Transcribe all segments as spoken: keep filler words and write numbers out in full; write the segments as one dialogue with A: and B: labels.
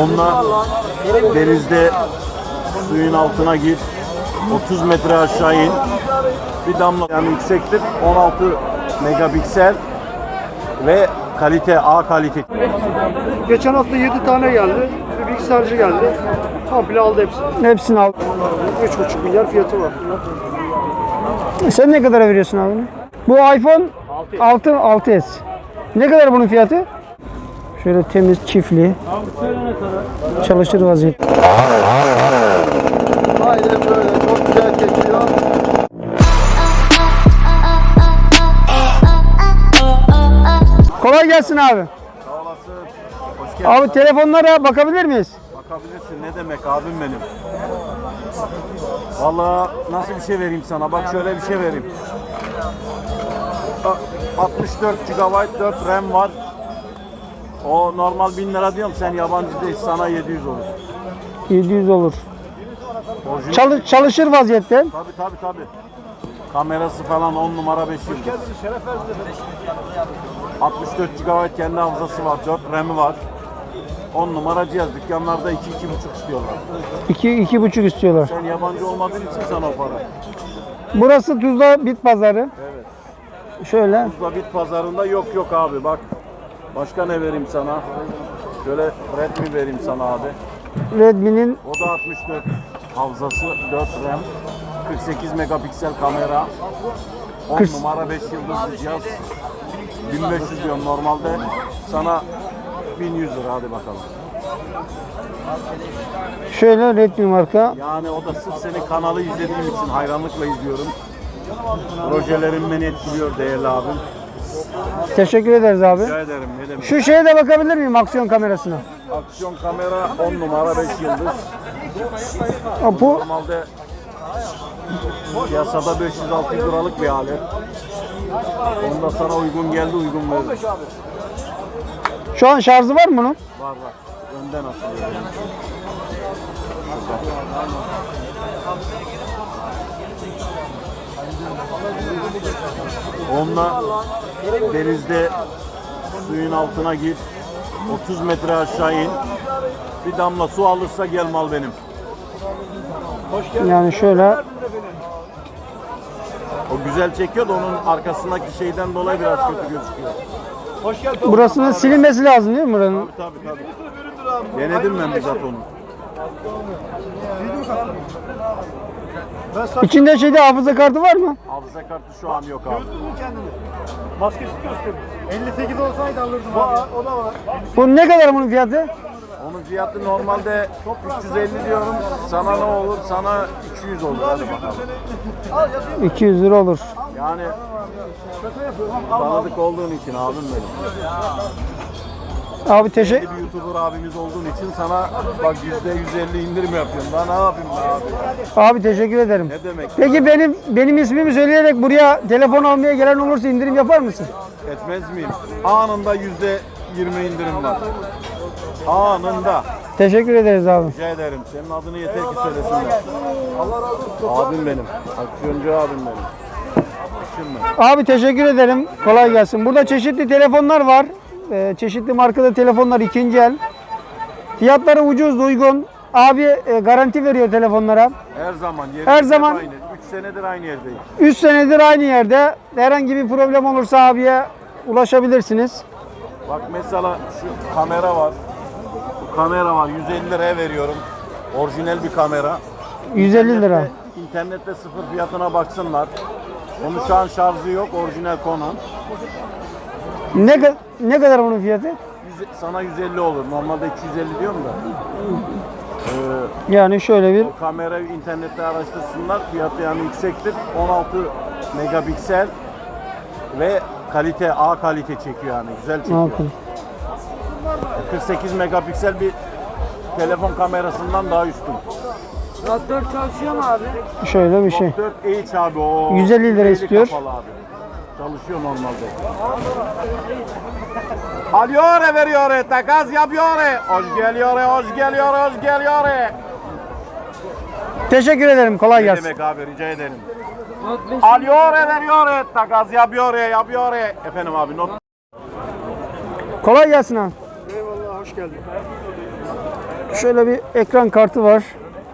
A: Onunla denizde suyun altına gir, otuz metre aşağı in, bir damla yani yüksektir, on altı megapiksel ve kalite, A kalite.
B: Geçen hafta yedi tane geldi. Bir bilgisayarcı geldi. Komple aldı hepsini.
C: Hepsini al.
B: üç buçuk milyar fiyatı var.
C: Sen ne kadara veriyorsun abi? Bu iPhone altı, altı S. Ne kadar bunun fiyatı? Şöyle temiz, çiftli. Çalışır vaziyette.
B: Aynen böyle. Çok güzel geçiyor.
C: Kolay gelsin abi.
A: Sağ olasın. Hoş geldin.
C: Abi telefonlara bakabilir miyiz?
A: Bakabilirsin, ne demek abim benim. Vallahi nasıl bir şey vereyim sana? Bak şöyle bir şey vereyim. altmış dört gigabayt dört RAM var. O normal bin lira diyorum, sen yabancı değil, sana yedi yüz olur.
C: yedi yüz olur.
A: Orijinal.
C: Çalı- çalışır vaziyette.
A: Tabii tabii tabii. Kamerası falan on numara beş yıldız. altmış dört gigabayt kendi hafızası var, dört RAM'i var. on numara cihaz. Dükkanlarda iki iki buçuk istiyorlar.
C: iki iki buçuk istiyorlar.
A: Sen yabancı olmadığın için sana o para.
C: Burası Tuzla Bit Pazarı.
A: Evet.
C: Şöyle.
A: Tuzla Bit Pazarında yok yok abi, bak. Başka ne vereyim sana? Şöyle Redmi vereyim sana abi.
C: Redmi'nin
A: O da altmış dört hafızası, dört RAM, kırk sekiz megapiksel kamera, on
C: kırk
A: numara beş yıldızlı cihaz. bin beş yüz diyorum normalde. Sana bin yüz lira, hadi bakalım.
C: şöyle Redmi marka.
A: Yani o da sırf senin kanalı izlediğim için hayranlıkla izliyorum. Projelerin beni etkiliyor değerli abim.
C: Teşekkür ederiz abi.
A: Rica ederim, ne demek.
C: Şu şeye de bakabilir miyim, aksiyon kamerasına?
A: Aksiyon kamera on numara beş yıldız.
C: Ha, bu
A: Normalde piyasada beş yüz altı yüz liralık bir alet. Onda sana uygun geldi, uygun verdim.
C: şu an şarjı var mı bunun?
A: Var var. Önden asılıyor. Onunla denizde suyun altına gir, otuz metre aşağı in, bir damla su alırsa gel mal benim.
C: Yani şöyle
A: O güzel çekiyor da onun arkasındaki şeyden dolayı biraz kötü gözüküyor.
C: burasının silinmesi lazım değil mi buranın?
A: Tabii tabii tabii. Denedim ben bizzat onu.
C: İçinde şeyde hafıza kartı var mı?
A: Hafıza kartı şu an yok abi.
B: Maskesi gösteriyor. elli sekiz olsaydı alırdım abi. O da var.
C: Bu ne kadar bunun fiyatı?
A: Onun fiyatı normalde üç yüz elli diyorum. Sana ne olur? Sana iki yüz olur. Hadi bakalım.
C: iki yüz lira olur.
A: Yani tanıdık olduğun için abim benim.
C: Abi teşekkür
A: Bir YouTuber abimiz olduğun için sana bak yüzde yüz elli indirim yapıyorum. Daha ne yapayım be abi?
C: abi teşekkür ederim.
A: Ne demek?
C: Peki benim benim ismimi söyleyerek buraya telefon almaya gelen olursa indirim yapar mısın?
A: Etmez miyim? Anında yüzde yirmi indirim var. Anında.
C: Teşekkür ederiz abi.
A: Rica ederim. Senin adını yeter ki söylesinler. Abim benim. Aksiyoncu abim benim. Şimdi.
C: Abi teşekkür ederim. Kolay gelsin. Burada çeşitli telefonlar var. Ee, çeşitli markada telefonlar ikinci el. Fiyatları ucuz, uygun. Abi e, garanti veriyor telefonlara.
A: Her zaman.
C: Her zaman.
A: Aynı. üç senedir aynı yerdeyim.
C: üç senedir aynı yerde. Herhangi bir problem olursa abiye ulaşabilirsiniz.
A: Bak mesela şu kamera var. Bu kamera var. yüz elli liraya veriyorum. Orijinal bir kamera.
C: yüz elli lira.
A: İnternette, internette sıfır fiyatına baksınlar. Onun şu an şarjı yok. Orijinal Canon.
C: Ne, ka- ne kadar bunun fiyatı?
A: Yüz- Sana yüz elli olur. Normalde iki yüz elli diyorum da. Ee,
C: Yani şöyle bir
A: o kamerayı internette araştırsınlar. Fiyatı yani yüksektir. on altı megapiksel ve kalite, A kalite çekiyor yani. Güzel çekiyor.
C: Bakın.
A: kırk sekiz megapiksel bir telefon kamerasından daha üstün.
B: dört çalışıyor mu abi?
C: Şöyle bir şey.
A: dört H abi o.
C: yüz elli lira istiyor.
A: Kapalı abi. Çalışıyor normalde. Alıyor veriyor, takas yapıyor. Hoş geliyor, hoş geliyor, hoş geliyor.
C: Teşekkür ederim. Kolay
A: Ne
C: gelsin.
A: demek abi, rica ederim. Alıyor veriyor, takas yapıyor, yapıyor. Efendim abi not.
C: Kolay gelsin abi.
B: Eyvallah, hoş geldin.
C: Şöyle bir ekran kartı var.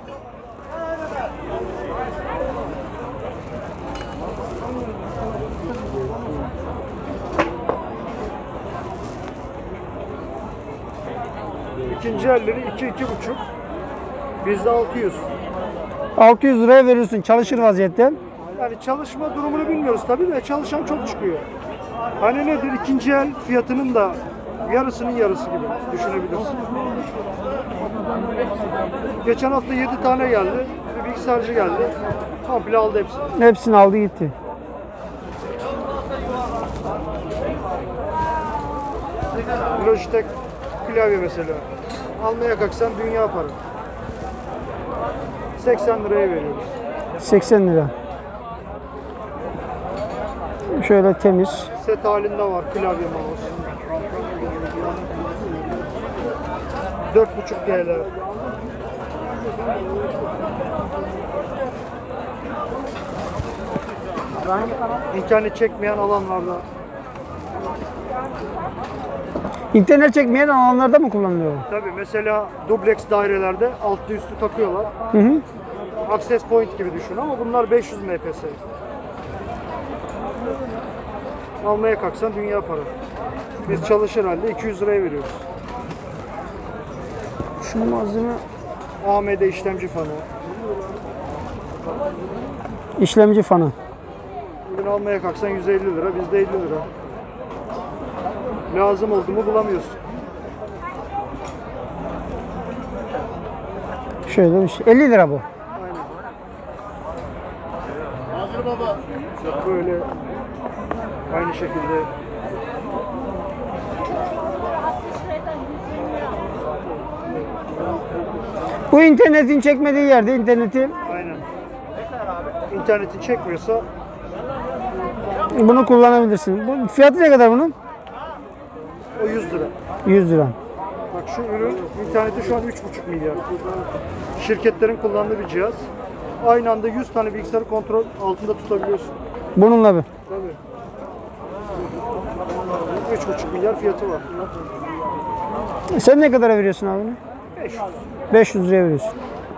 B: İkinci elleri iki iki buçuk. Bizde altı yüz.
C: altı yüz liraya veriyorsun çalışır vaziyette.
B: Yani çalışma durumunu bilmiyoruz tabii de çalışan çok çıkıyor. Hani nedir? İkinci el fiyatının da yarısının yarısı gibi düşünebilirsin. Geçen hafta yedi tane geldi. Bir bilgisayarcı geldi. Komple aldı hepsini.
C: Hepsini aldı gitti.
B: Logitech klavye mesela. Almaya kalksan dünya para. seksen liraya veriyoruz.
C: seksen lira. Şöyle temiz.
B: Set halinde var klavye mouse. dört buçuk T L. İnternet çekmeyen alanlarda.
C: İnternet çekmeyen alanlarda mı kullanılıyor?
B: Tabii mesela dubleks dairelerde altlı üstü takıyorlar.
C: Hı hı.
B: Access point gibi düşün ama bunlar beş yüz M P S. Almaya kalksan dünya para. Biz çalışır halde iki yüz liraya veriyoruz.
C: Şu malzeme
B: A M D işlemci fanı.
C: işlemci fanı.
B: Bugün almaya kalksan yüz elli lira, bizde elli lira. Lazım oldu mu bulamıyorsun.
C: Şöyle bir şey. elli lira bu.
B: Böyle aynı şekilde
C: Bu internetin çekmediği yerde interneti
B: aynen. İnterneti çekmiyorsa
C: bunu kullanabilirsin. Bu fiyatı ne kadar bunun?
B: o yüz lira.
C: yüz lira.
B: Bak şu ürün interneti şu an üç buçuk milyar. Şirketlerin kullandığı bir cihaz. Aynı anda yüz tane bilgisayarı kontrol altında tutabiliyorsun.
C: Bununla bir.
B: Tabii. üç buçuk milyar fiyatı var.
C: Sen ne kadara veriyorsun abi?
B: beş yüz.
C: beş yüz liraya veriyorsun.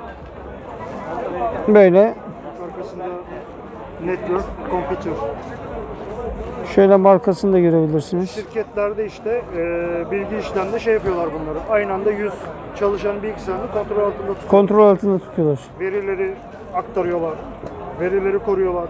C: Böyle
B: Arkasında network, computer.
C: şöyle markasını da görebilirsiniz.
B: Şirketlerde işte e, bilgi işlemde şey yapıyorlar bunları. Aynı anda yüz çalışan bilgisayarını kontrol altında tutuyor.
C: Kontrol altında tutuyorlar.
B: Verileri aktarıyorlar. Verileri koruyorlar.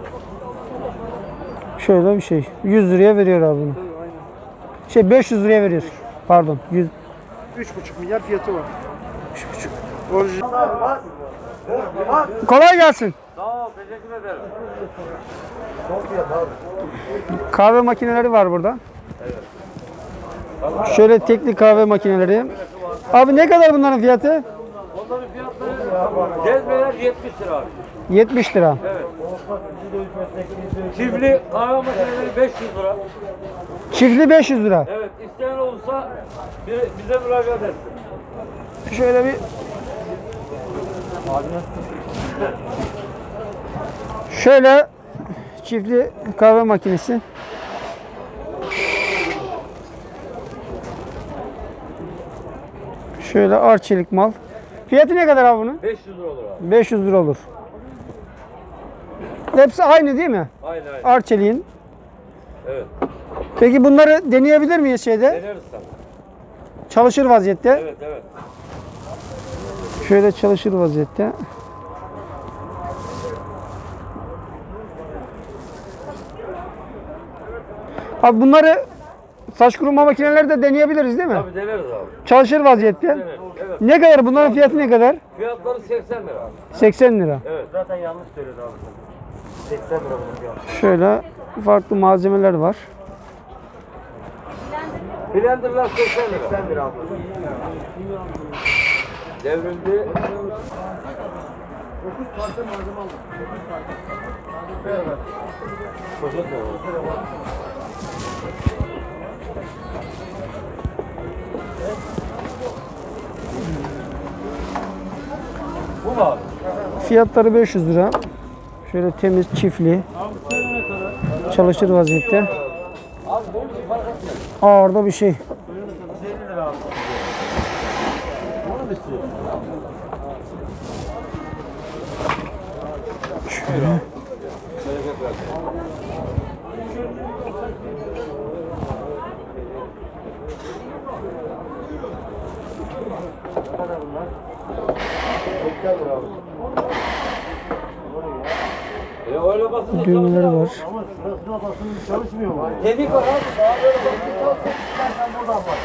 C: Şöyle bir şey. yüz liraya veriyor abi bunu.
B: Tabii aynen.
C: Şey beş yüz liraya veriyorsun. Pardon. yüz.
B: üç buçuk milyar fiyatı var. üç buçuk. Orijinal.
C: Kolay gelsin.
D: Sağ ol, teşekkür ederim.
C: Kahve makineleri var burada. Şöyle tekli kahve makineleri. Abi ne kadar bunların fiyatı?
D: Onların fiyatları cezveler yetmiş lira abi.
C: yetmiş lira.
D: Evet. Çiftli kahve makineleri beş yüz lira.
C: Çiftli beş yüz lira.
D: Evet, isteyen olursa bir- bize müracaat etsin.
C: Şöyle bir Şöyle çiftli kahve makinesi. Şöyle arçelik mal. Fiyatı ne kadar abi bunun?
D: beş yüz lira olur abi.
C: beş yüz lira olur. Hepsi aynı değil mi?
D: Aynen aynen.
C: Arçelik'in.
D: Evet.
C: Peki bunları deneyebilir miyiz şeyde?
D: Deneriz tabii.
C: Çalışır vaziyette.
D: Evet evet.
C: Şöyle çalışır vaziyette. Abi bunları saç kuruma makineleri de deneyebiliriz değil mi?
D: Tabii deneriz abi.
C: Çalışır vaziyette.
D: Deneriz. Evet.
C: Ne kadar bunların fiyatı ne kadar?
D: Fiyatları seksen lira abi.
C: seksen lira.
D: Evet. Zaten yanlış söyledi abi. seksen lira bunun fiyatı.
C: Şöyle farklı malzemeler var.
D: Blenderlar seksen lira. seksen lira abi. Devrildi. Bu mu abi?
C: Fiyatları beş yüz lira. Şöyle temiz çiftli. Çalışır vaziyette.
D: Abi bu mu? Fark etmez.
C: Ağırda bir şey. Şöyle.
D: E öyle basınca
C: Düğmeleri var.
B: Ama sırasına basınca çalışmıyor mu?
D: Dedik var abi. Daha böyle basınca çalışsın. İstersen buradan bak.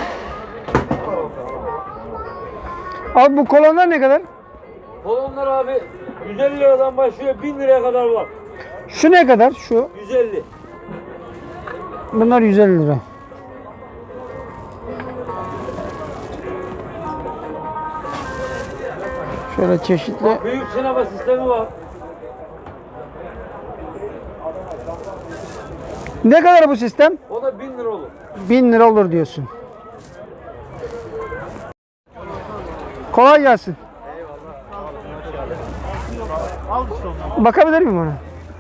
C: Abi bu kolonlar ne kadar?
D: Kolonlar abi yüz elli liradan başlıyor bin liraya kadar var.
C: Şu ne kadar? Şu.
D: yüz elli.
C: Bunlar yüz elli lira. Şöyle çeşitli.
D: Büyük sinema sistemi var.
C: Ne kadar bu sistem?
D: O da bin lira olur.
C: bin lira olur diyorsun. Kolay gelsin. Bakabilir miyim ona?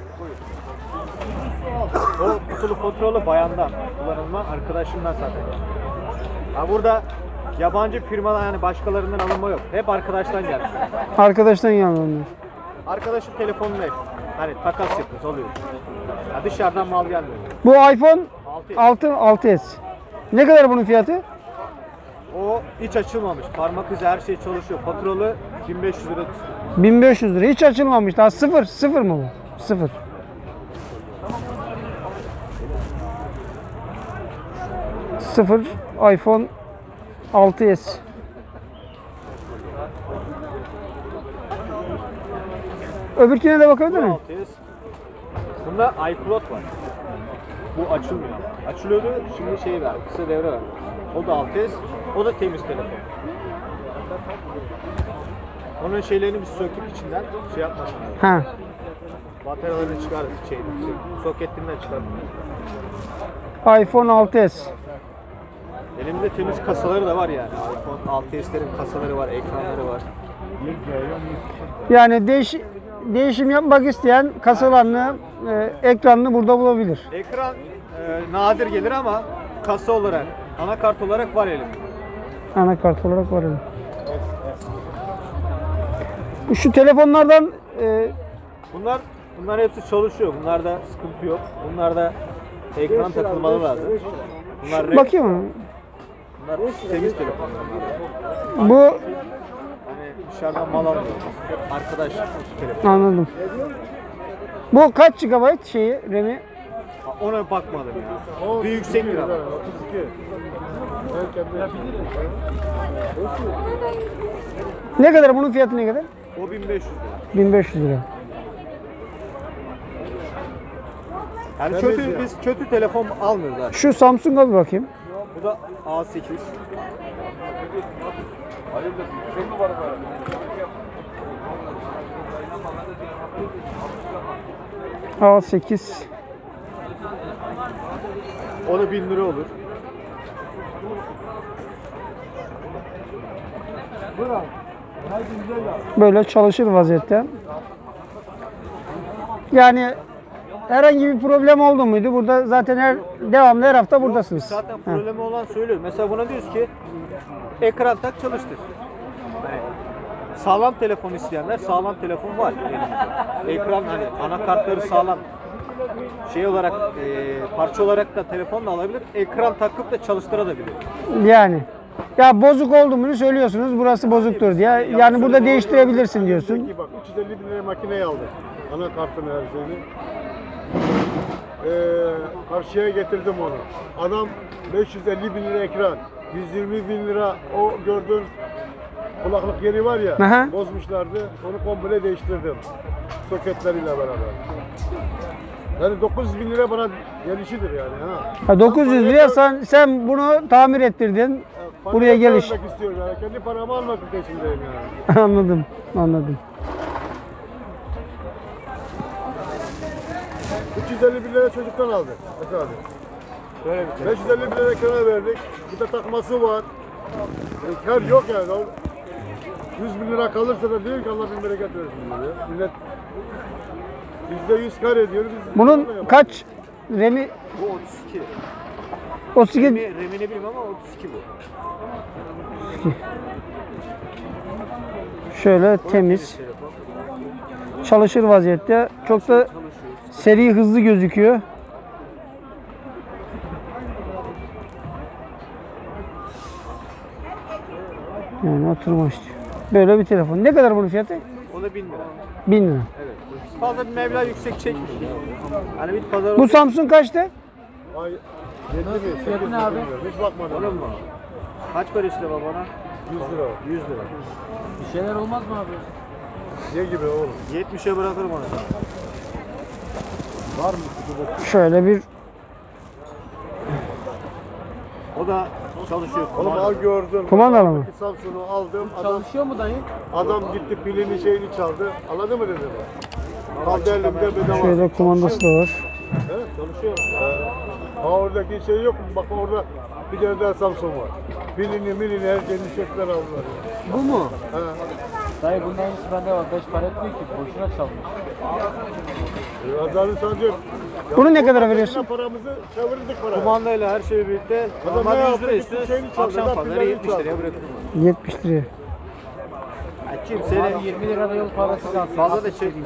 E: O kutulu kontrolü bayandan kullanılma, arkadaşımdan zaten. Ha burada yabancı firmadan yani başkalarından alınma yok. Hep arkadaştan gelmiş.
C: Arkadaştan yanılıyor.
E: Arkadaşın telefonunu hep. Hani takas yapıyoruz, alıyoruz. Ya dışarıdan mal gelmiyor.
C: Bu iPhone
E: altı.
C: altı, altı S. Ne kadar bunun fiyatı?
E: O hiç açılmamış. Parmak izi her şey çalışıyor. Patrolu bin beş yüz lira tuttu.
C: bin beş yüz lira. Hiç açılmamış. Daha sıfır. Sıfır mı bu? Sıfır. Sıfır iPhone altı S. Öbürküne de bakabilir miyim?
E: altı S. Bunda iCloud var. Bu açılmıyor ama. Açılıyordu, şimdi şey ver, kısa devre ver. O da altı S, o da temiz telefon. Onun şeylerini bir söküp içinden şey yapmasın.
C: Ha.
E: Bataryalarını çıkardık şey, soketinden çıkardık.
C: iPhone altı S.
E: Elimizde temiz kasaları da var yani. iPhone altı S'lerin kasaları var, ekranları var.
C: Yani değiş, değişim yapmak isteyen kasalarını, e, ekranını burada bulabilir.
E: Ekran e, nadir gelir ama kasa olarak, anakart olarak var elimde.
C: Anakart olarak var öyle. Şu telefonlardan e,
E: Bunlar bunlar hepsi çalışıyor. Bunlarda sıkıntı yok. Bunlarda ekran takılmalı lazım. Bunlar renk,
C: bakayım.
E: bunlar temiz telefonlar.
C: Bu
E: Hani dışarıdan mal almıyoruz. Hep arkadaş telefon.
C: anladım. Bu kaç G B şeyi, RAM'i?
E: Ona bakmadım ya. Bir yüksek bir ama.
C: Ne kadar bunun fiyatı ne kadar?
E: O bin beş yüz lira.
C: bin beş yüz lira.
E: Yani kötü, biz kötü telefon almıyoruz abi.
C: Şu Samsung'a bir bakayım.
E: Bu da A sekiz.
C: A sekiz.
E: O da bin lira olur.
C: Böyle çalışır vaziyette. Yani herhangi bir problem oldu muydu? Burada zaten her devamlı her hafta buradasınız.
E: Zaten
C: Ha.
E: problemi olan söylüyor. Mesela buna diyoruz ki ekran tak çalıştır. Hani sağlam telefon isteyenler sağlam telefon var elimizde. Ekran hani anakartları sağlam. Şey olarak e, parça olarak da telefon da alabilir. Ekran takıp da çalıştırabilir.
C: Yani ya bozuk olduğunu söylüyorsunuz. Burası bozuktur diye. Yani burada değiştirebilirsin diyorsun.
F: Bak üç yüz elli bin liraya makineyi aldık. Anakartını her şeyini. Ee, karşıya getirdim onu. Adam beş yüz elli bin lira ekran, yüz yirmi bin lira o gördüğün kulaklık yeri var ya,
C: Aha.
F: bozmuşlardı. Onu komple değiştirdim. Soketleriyle beraber. Yani dokuz yüz bin lira bana gelişidir yani. Ha.
C: Ha, dokuz yüz liraya sen, sen bunu tamir ettirdin.
F: Parayı
C: Buraya geliş.
F: vermek istiyorum yani. Kendi paramı almak peşindeyim yani.
C: Anladım. Anladım.
F: üç yüz elli bin lira çocuktan aldık. Mesela abi.
E: Böyle bir şey.
F: beş yüz elli bin lira ekrana verdik. Bir de takması var. E, kar yok yani. O yüz bin lira kalırsa da diyor ki Allah bin bereket versin diyor. Millet yüzde yüz kar ediyor. Biz
C: Bunun kaç RAM'i?
E: Bu otuz iki.
C: otuz iki.
E: Remi, remini bilmem ama otuz iki bu.
C: Şöyle temiz. Çalışır vaziyette. Çok da seri, hızlı gözüküyor. Yani oturma işte. Böyle bir telefon. Ne kadar bunun fiyatı?
E: O da bin lira.
C: bin lira.
E: Evet. Fazla bir meblağ yüksek çekmiyor. Hani bir pazar
C: Bu Samsung kaçtı?
F: Ay yedi mi? sekiz mi
E: abi?
F: bilmiyorum. Hiç bakmadım.
E: Olur mu? Kaç para işte babana?
F: yüz lira.
E: yüz lira.
D: Bir şeyler olmaz mı abi?
F: Ne gibi oğlum?
E: yetmişe bırakırım onu sana.
F: Var mı?
C: Şöyle bir
E: O da çalışıyor.
F: Oğlum al gördün.
C: kumandalı mı?
F: Samsun'u aldım. Adam,
D: Çalışıyor mu dayı?
F: adam gitti pilini şeyini çaldı. Anladın mı dedim? Kaldı elimde bedava.
C: Şöyle kumandası da var.
F: Evet çalışıyor. He. Ha oradaki şey yok mu? Bak orada bir tane daha Samsun var. Pilini milini her şeyini çöpler aldılar.
D: Bu mu?
F: He.
D: Dayı bunun aynısı bende var. Beş para etmiyor ki. Boşuna çalmış.
F: E, Azar'ın sancı.
C: Bunu ne kadara veriyorsun?
F: Paramızı çevirdik para.
E: Kumandayla her şeyi birlikte.
F: Adam
E: Normalde
F: ne
E: yüz lira
F: yaptı?
E: istiyoruz.
F: Şeyini çaldı,
E: Akşam
F: laf
E: pazarı
F: bilerini
E: yetmiş liraya
F: çaldı.
E: bırakırım.
C: yetmiş liraya.
E: Yani kimsenin
D: Senin yirmi lirada yol parası kalsın.
E: fazla da çekmiyor.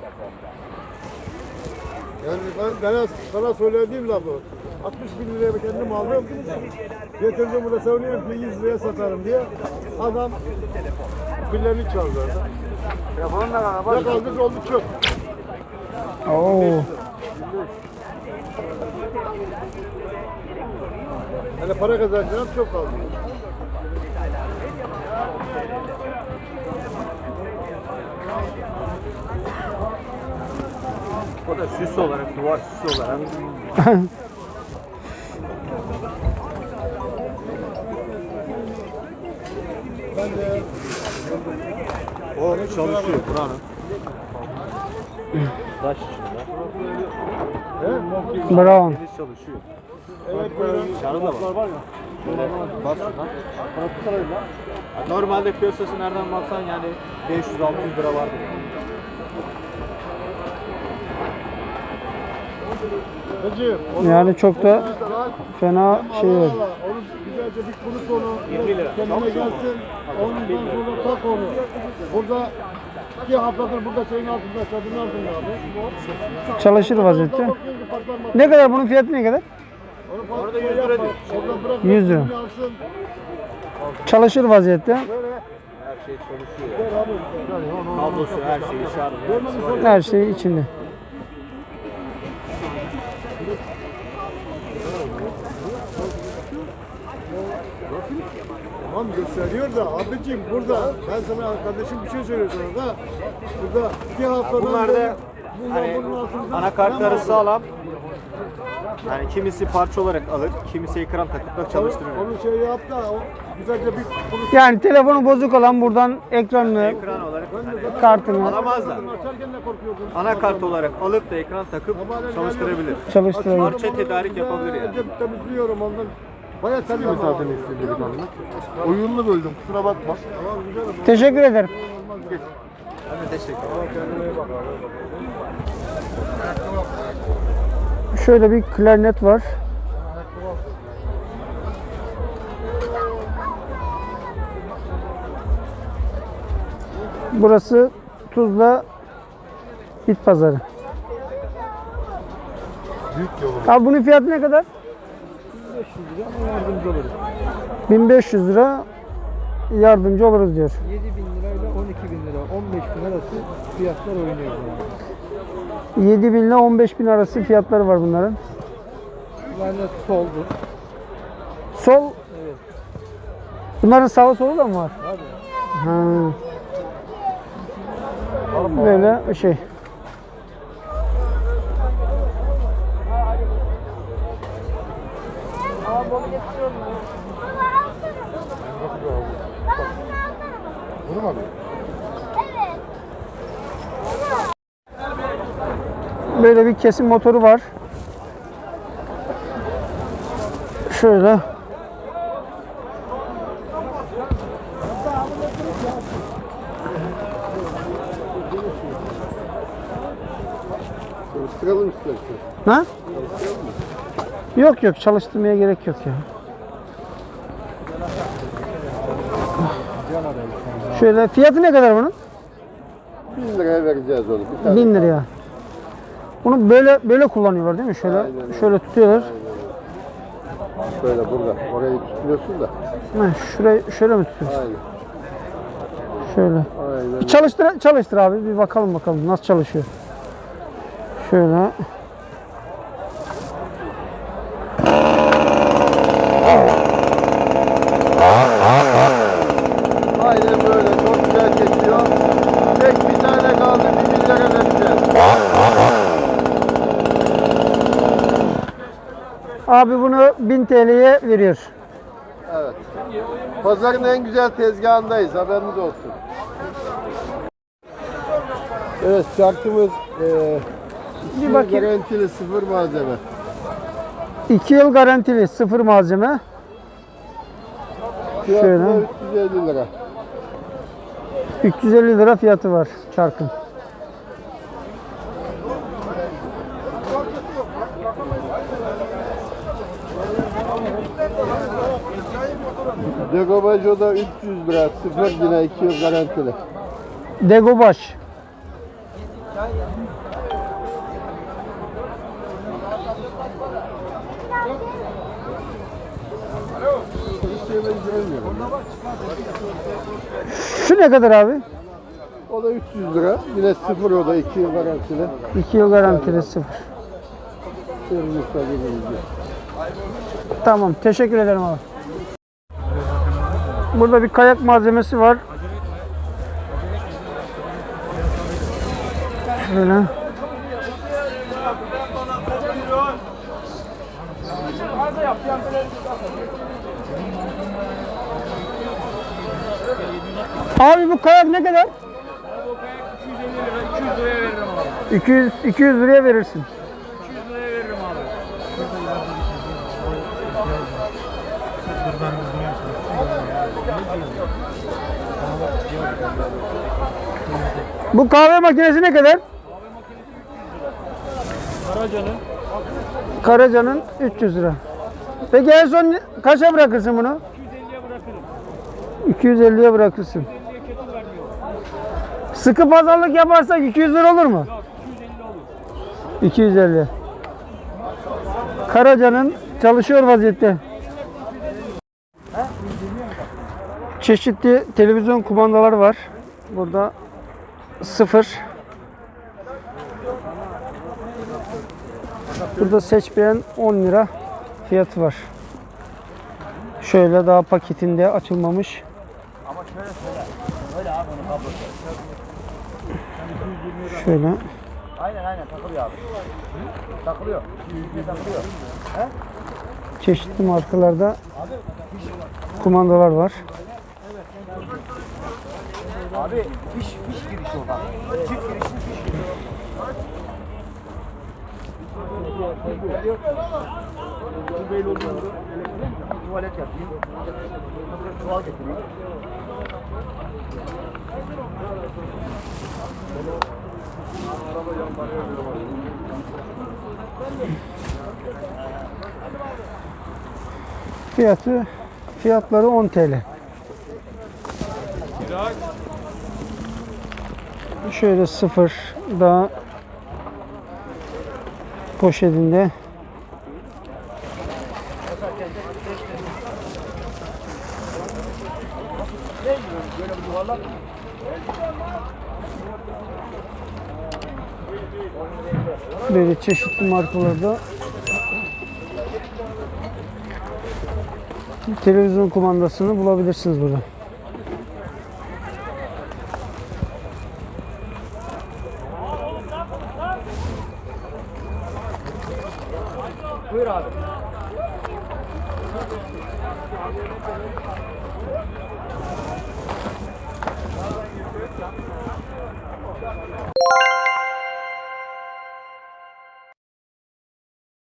F: Yani ben, ben sana söylediğim lafı altmış bin liraya kendim aldım. Getirdim burada söylüyorum ki yüz liraya satarım diye. Adam pillerini çaldı.
E: Telefonla
F: Ne kaldı oldu çöp.
C: Oo.
F: Hani para kazanacağım çok kaldı.
E: O da süs olarak, duvar süsü olarak. O çalışıyor buranın. Taş içinde.
C: Bravo.
E: Deniz çalışıyor.
F: Evet böyle.
E: Şarı da var. Böyle bas şuradan. Ya Normalde piyasası nereden baksan yani beş yüz altı yüz lira vardır.
F: Hacı, onu
C: Yani çok da
F: al,
C: fena şey
F: al,
C: var.
F: al, al. Onu güzelce bir kurut onu.
E: yirmi lira.
F: Kendine
E: Çalışıyor mu?
F: gelsin. Ondan sonra tak onu. Burada iki haftadır burada şeyin altında, çadırın altında abi.
C: Çalışır vaziyette.
F: Bakıyorsun ki patlar matlar.
C: Ne kadar bunun fiyatı ne kadar?
F: Onu
E: Orada
F: şey
E: yüz lira
F: yapma.
E: diyor.
F: Orada bırak.
C: yüz lira.
F: elini alsın.
C: Çalışır vaziyette.
F: Böyle.
E: Her şey çalışıyor.
F: Ver abi. Yani onu- onu-
E: Kablosu her şeyi şarjı.
C: Her şey içinde.
F: Tamam gösteriyor da abicim burada ben sana kardeşim bir şey söylüyor sana da burada iki haftadan
E: Bunlar da
F: bundan
E: hani
F: bunun altında
E: anakartları sağlam. Yani kimisi parça olarak alır, kimisi ekran takıp da çalıştırır.
F: onu şey yap da o güzelce bir konuş.
C: Yani telefonu bozuk olan buradan ekranını,
E: Ekran olarak hani
C: kartını
E: alamazlar.
F: Açarken ne korkuyordun?
E: Anakart olarak alıp da ekran takıp çalıştırabilir.
C: çalıştırabilir.
E: Parça tedarik yapabilir yani.
F: Cep temizliyorum ondan. Bayağı sen zaten istediğin anlık. Oyununu böldüm kusura bakma. Tamam güzel ama.
C: Teşekkür ederim.
E: Ben de teşekkür ederim.
F: Kendine iyi bak abi.
C: Şöyle bir klarnet var. Burası Tuzla Bit Pazarı.
F: Büyük yolum.
C: Abi bunun fiyatı ne kadar? bin beş yüz lira yardımcı oluruz diyor.
B: yedi bin lirayla on iki bin lira, on beş bin arası fiyatlar oynuyor.
C: yedi bin ile on beş bin arası fiyatları var bunların.
B: Yani soldu.
C: Sol. Bunların sağı solu da mı var? Ha. Böyle şey.
F: Bunu mu alıyorsun?
C: Böyle bir kesim motoru var. Şöyle.
F: Çalıştıralım istersen.
C: Ha? Yok yok çalıştırmaya gerek yok ya.
F: Can arayın.
C: Şöyle fiyatı ne kadar bunun?
F: bin liraya vereceğiz onu. Bir tane.
C: bin liraya. Bunu böyle böyle kullanıyorlar değil mi? Şöyle
F: Aynen öyle.
C: şöyle tutuyorlar.
F: Şöyle burada. Orayı tutmuyorsun da.
C: Ha, şurayı şöyle mi tutuyorsun?
F: Aynen.
C: Şöyle.
F: Aynen.
C: Bir çalıştır çalıştır abi. Bir bakalım bakalım nasıl çalışıyor. Şöyle.
F: Aynen böyle. Çok güzel geçiyor. Tek bir tane kaldı. Bir bin lira vereceğiz.
C: Abi bunu bin T L'ye veriyor.
F: Evet. Pazarın en güzel tezgahındayız. Haberiniz olsun. Evet, şarkımız e,
C: Bir bakayım.
F: garantili sıfır malzeme.
C: iki yıl garantili sıfır malzeme.
F: Fiyatı
C: Şöyle.
F: da üç yüz elli lira.
C: üç yüz elli lira fiyatı var çarkın.
F: Degobajo da üç yüz lira. Sıfır yine iki yıl garantili.
C: Degobaş.
F: Hiç yemek görmüyorum.
C: Şu ne kadar abi?
F: O da üç yüz lira. Yine sıfır, o da iki yıl garantili.
C: iki yıl garantili sıfır.
F: Sırrınızda gibi.
C: Tamam, teşekkür ederim abi. Burada bir kayak malzemesi var. Şöyle. Abi bu kayak ne kadar? iki yüz iki yüz liraya verirsin. Bu kahve makinesi ne kadar?
D: Karaca'nın
C: Karaca'nın üç yüz lira. Peki en son kaça bırakırsın bunu? iki yüz elliye bırakırsın. Sıkı pazarlık yaparsak iki yüz lira olur mu? iki yüz elli. Karaca'nın çalışıyor vaziyette. Çeşitli televizyon kumandaları var. Burada sıfır. Burada seç beğen on lira fiyatı var. Şöyle daha paketinde açılmamış.
D: ama şöyle söyle. Öyle abi onun kablosu.
C: Şöyle.
D: Aynen aynen takılıyor abi. Takılıyor. takılıyor.
C: Çeşitli markalarda kumandalar var.
D: Abi fiş fiş girişi o bak. Çift girişli fiş girişi. Tuvalet yapayım. Çuval getireyim.
C: Fiyatı fiyatları on T L. Şöyle sıfır daha poşetinde. Böyle çeşitli markalarda televizyon kumandasını bulabilirsiniz burada.
D: Buyur abi.